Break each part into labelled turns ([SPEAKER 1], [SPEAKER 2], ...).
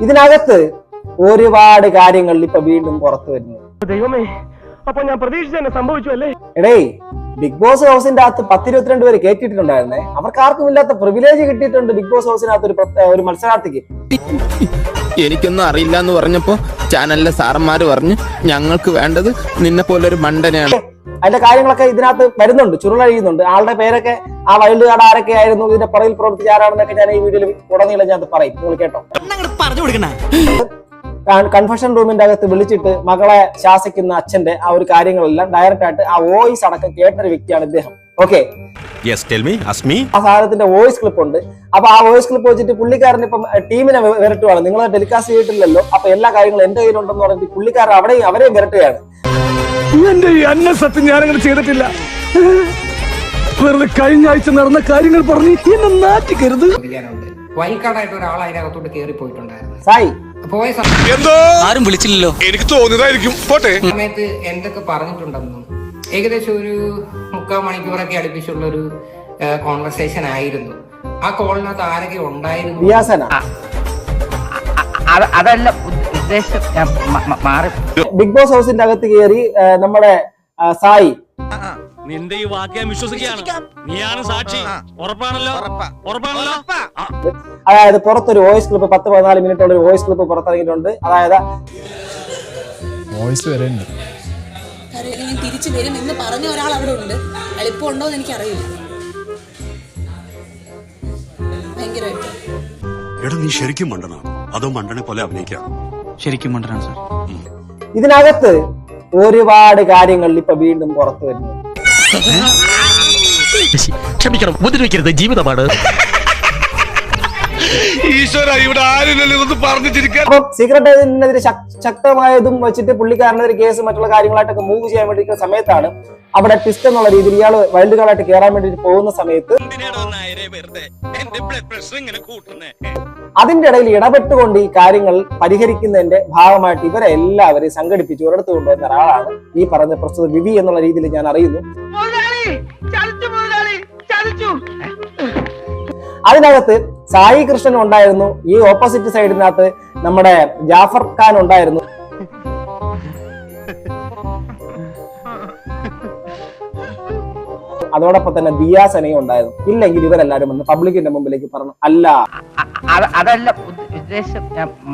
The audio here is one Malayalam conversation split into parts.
[SPEAKER 1] ഇതിനകത്ത് ഒരുപാട് കാര്യങ്ങൾ ഇപ്പൊ വീണ്ടും പുറത്തു വരുന്നു.
[SPEAKER 2] ദൈവമേ, അപ്പൊ ഞാൻ പ്രതീക്ഷിച്ച സംഭവിച്ചു അല്ലേ?
[SPEAKER 1] എടേ, ബിഗ് ബോസ് ഹൗസിന്റെ അകത്ത് 10-22 പേര് കേട്ടിട്ടുണ്ടായിരുന്നേ. അവർക്ക് ആർക്കും ഇല്ലാത്ത പ്രിവിലേജ് കിട്ടിയിട്ടുണ്ട് ബിഗ് ബോസ് ഹൗസിനകത്ത് ഒരു മത്സരാർത്ഥിക്ക്.
[SPEAKER 3] എനിക്കൊന്നും അറിയില്ല എന്ന് പറഞ്ഞപ്പോ ചാനലിലെ സാറന്മാര് പറഞ്ഞു ഞങ്ങൾക്ക് വേണ്ടത് നിന്നെ പോലെ ഒരു മണ്ടനെയാണ്.
[SPEAKER 1] അതിന്റെ കാര്യങ്ങളൊക്കെ ഇതിനകത്ത് വരുന്നുണ്ട്, ചുരുളഴിയുന്നുണ്ട്. ആളുടെ പേരൊക്കെ, ആ വൈൽഡ് കാർഡ് ആരൊക്കെ ആയിരുന്നു, ഇതിന്റെ പുറകിൽ പ്രവർത്തിച്ച ആരാണെന്നൊക്കെ ഞാൻ ഈ വീഡിയോയിൽ ഉടനീളം ഞാൻ പറയും. നിങ്ങൾ കേട്ടോ. കൺഫഷൻ റൂമിന്റെ അകത്ത് വിളിച്ചിട്ട് മകളെ ശാസിക്കുന്ന അച്ഛന്റെ ആ ഒരു കാര്യങ്ങളെല്ലാം ഡയറക്റ്റ് ആയിട്ട് ആ വോയിസ് അടക്കം കേട്ടൊരു വ്യക്തിയാണ് ഇദ്ദേഹം. ഓക്കെ, ആ സാധനത്തിന്റെ വോയിസ് ക്ലിപ്പ് ഉണ്ട്. അപ്പൊ ആ വോയിസ് ക്ലിപ്പ് വെച്ചിട്ട് പുള്ളിക്കാരൻ ഇപ്പം ടീമിനെ വിരട്ടുവാണ്. നിങ്ങൾ ടെലികാസ്റ്റ് ചെയ്തിട്ടില്ലല്ലോ, അപ്പൊ എല്ലാ കാര്യങ്ങളും എന്റെ കയ്യിലുണ്ടെന്ന് പറഞ്ഞിട്ട് പുള്ളിക്കാരൻ അവരെയും വിരട്ടുകയാണ്.
[SPEAKER 2] എന്റെ ഈ അന്ന സത്യം ഞാനങ്ങനെ ചെയ്തിട്ടില്ല. വെറുതെ കഴിഞ്ഞ ആഴ്ച നടന്ന കാര്യങ്ങൾ പറഞ്ഞ് എന്നെ നാറ്റിക്കരുത്.
[SPEAKER 4] വൈൽഡ്കാർഡായിട്ട് ഒരാൾ അതിനകത്തോട്ട് കയറി പോയിട്ടുണ്ടായിരുന്നു.
[SPEAKER 1] സായി
[SPEAKER 4] പോയ
[SPEAKER 5] ആരും വിളിച്ചില്ലല്ലോ, എനിക്ക് തോന്നിയതായിരിക്കും.
[SPEAKER 4] സമയത്ത് എന്തൊക്കെ പറഞ്ഞിട്ടുണ്ടെന്നും ഏകദേശം ഒരു 3/4 മണിക്കൂറൊക്കെ അടുപ്പിച്ചുള്ള ഒരു കോൺവെർസേഷൻ ആയിരുന്നു. ആ കോളിനകത്ത് ആരൊക്കെ ഉണ്ടായിരുന്നു?
[SPEAKER 6] അതല്ല ഉദ്ദേശം,
[SPEAKER 1] ബിഗ് ബോസ് ഹൗസിന്റെ അകത്ത് കയറി നമ്മുടെ സായി
[SPEAKER 5] നിന്റെ ഈ വാക്യം വിശ്വസിക്കുകയാണ്. നീയാണ് സാക്ഷി. ഉറപ്പാണല്ലോ? ഉറപ്പാണല്ലോ.
[SPEAKER 1] അതായത് പുറത്തൊരു വോയിസ് ക്ലിപ്പ് 10-14 മിനിറ്റുള്ള ഒരു വോയിസ് ക്ലിപ്പ് പുറത്തിറങ്ങിയിട്ടുണ്ട്. അതായത്
[SPEAKER 7] വോയിസ് വരെയുണ്ട്.
[SPEAKER 8] തിരിച്ചു വരും എന്ന് പറഞ്ഞ ഒരാൾ അവിടെ ഉണ്ട്. എളുപ്പമുണ്ടോ എന്ന് എനിക്കറിയില്ല. ഭയങ്കരമായിട്ട്.
[SPEAKER 9] എടാ, നീ ശരിക്കും മണ്ടനാണോ അതോ മണ്ടനെ പോലെ അഭിനയിക്കാം?
[SPEAKER 5] ശരിക്കും മണ്ടനാണ് സാർ.
[SPEAKER 1] ഇതിനകത്ത് ഒരുപാട് കാര്യങ്ങൾ ഇപ്പൊ വീണ്ടും പുറത്തു വരുന്നു.
[SPEAKER 5] ക്ഷമിക്കണം, ഉപദ്രവിക്കരുത്, ജീവിതമാണ്. ഈശ്വര, ഇവിടെ ആരും പറഞ്ഞിരിക്കാൻ.
[SPEAKER 1] അപ്പൊ സീക്രട്ട് ഏജന്റിനെതിരെ ശക്തമായതും വെച്ചിട്ട് പുള്ളിക്കാരനെതിരെ കേസ് മറ്റുള്ള കാര്യങ്ങളായിട്ടൊക്കെ മൂവ് ചെയ്യാൻ വേണ്ടി സമയത്താണ് അവിടെ ട്വിസ്റ്റ് എന്നുള്ള രീതിയിൽ ഇയാൾ വൈൽഡ് കാർഡായിട്ട് കയറാൻ വേണ്ടി പോകുന്ന സമയത്ത് അതിന്റെ ഇടയിൽ ഇടപെട്ടുകൊണ്ട് ഈ കാര്യങ്ങൾ പരിഹരിക്കുന്നതിന്റെ ഭാഗമായിട്ട് ഇവരെ എല്ലാവരെയും സംഘടിപ്പിച്ച് ഒരിടത്ത് കൊണ്ടുവന്ന ഒരാളാണ് ഈ പറഞ്ഞ പ്രസ്തുത വിവി എന്നുള്ള രീതിയിൽ ഞാൻ അറിയുന്നു. അതിനകത്ത് സായി കൃഷ്ണൻ ഉണ്ടായിരുന്നു. ഈ ഓപ്പോസിറ്റ് സൈഡിനകത്ത് നമ്മുടെ ജാഫർ ഖാൻ ഉണ്ടായിരുന്നു. അതോടൊപ്പം തന്നെ ദിയാസനയും ഉണ്ടായിരുന്നു. ഇല്ലെങ്കിൽ ഇവരെല്ലാരും വന്ന് പബ്ലിക്കിന്റെ മുമ്പിലേക്ക് പറഞ്ഞു അല്ല,
[SPEAKER 6] അതല്ല ഉദ്ദേശം,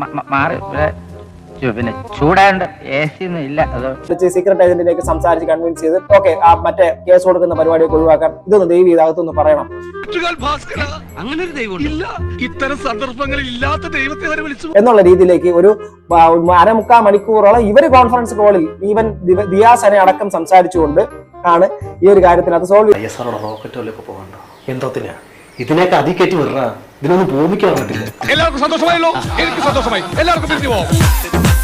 [SPEAKER 6] പിന്നെ ചൂടാണ്ട് ഇല്ല.
[SPEAKER 1] സീക്രട്ട് ഏജന്റിലേക്ക് സംസാരിച്ച് കൺവിൻസ് ചെയ്ത് ഓക്കെ ആ മറ്റേ കേസ് കൊടുക്കുന്ന പരിപാടിയൊക്കെ ഒഴിവാക്കാൻ ഇതൊന്ന് ദൈവം ഇതാകത്തൊന്ന് പറയണം.
[SPEAKER 5] അങ്ങനെ ഒരു ദൈവം ഇല്ല, ഇത്തരം സന്ദർഭങ്ങളിൽ ഇല്ലാത്ത ദൈവത്തെ വരെ വിളിച്ചു
[SPEAKER 1] എന്നുള്ള രീതിയിലേക്ക് ഒരു 1/4 മണിക്കൂറോളം ഇവര് കോൺഫറൻസ് കോളിൽ ഈവൻ ദിയാസനെ അടക്കം സംസാരിച്ചുകൊണ്ട് ആണ് ഈ ഒരു കാര്യത്തിനകത്ത് സോൾവ് ചെയ്യുന്നത്.
[SPEAKER 10] റോക്കറ്റ് പോകണ്ട എന്തോത്തിനാ ഇതിനൊക്കെ അധികേറ്റി വിടണ, ഇതിനൊന്നും ഭൂമിക്കാൻ പറ്റില്ല.
[SPEAKER 5] എല്ലാവർക്കും സന്തോഷമായല്ലോ? എനിക്ക് സന്തോഷമായി. എല്ലാവർക്കും പിരിഞ്ഞു പോവാം.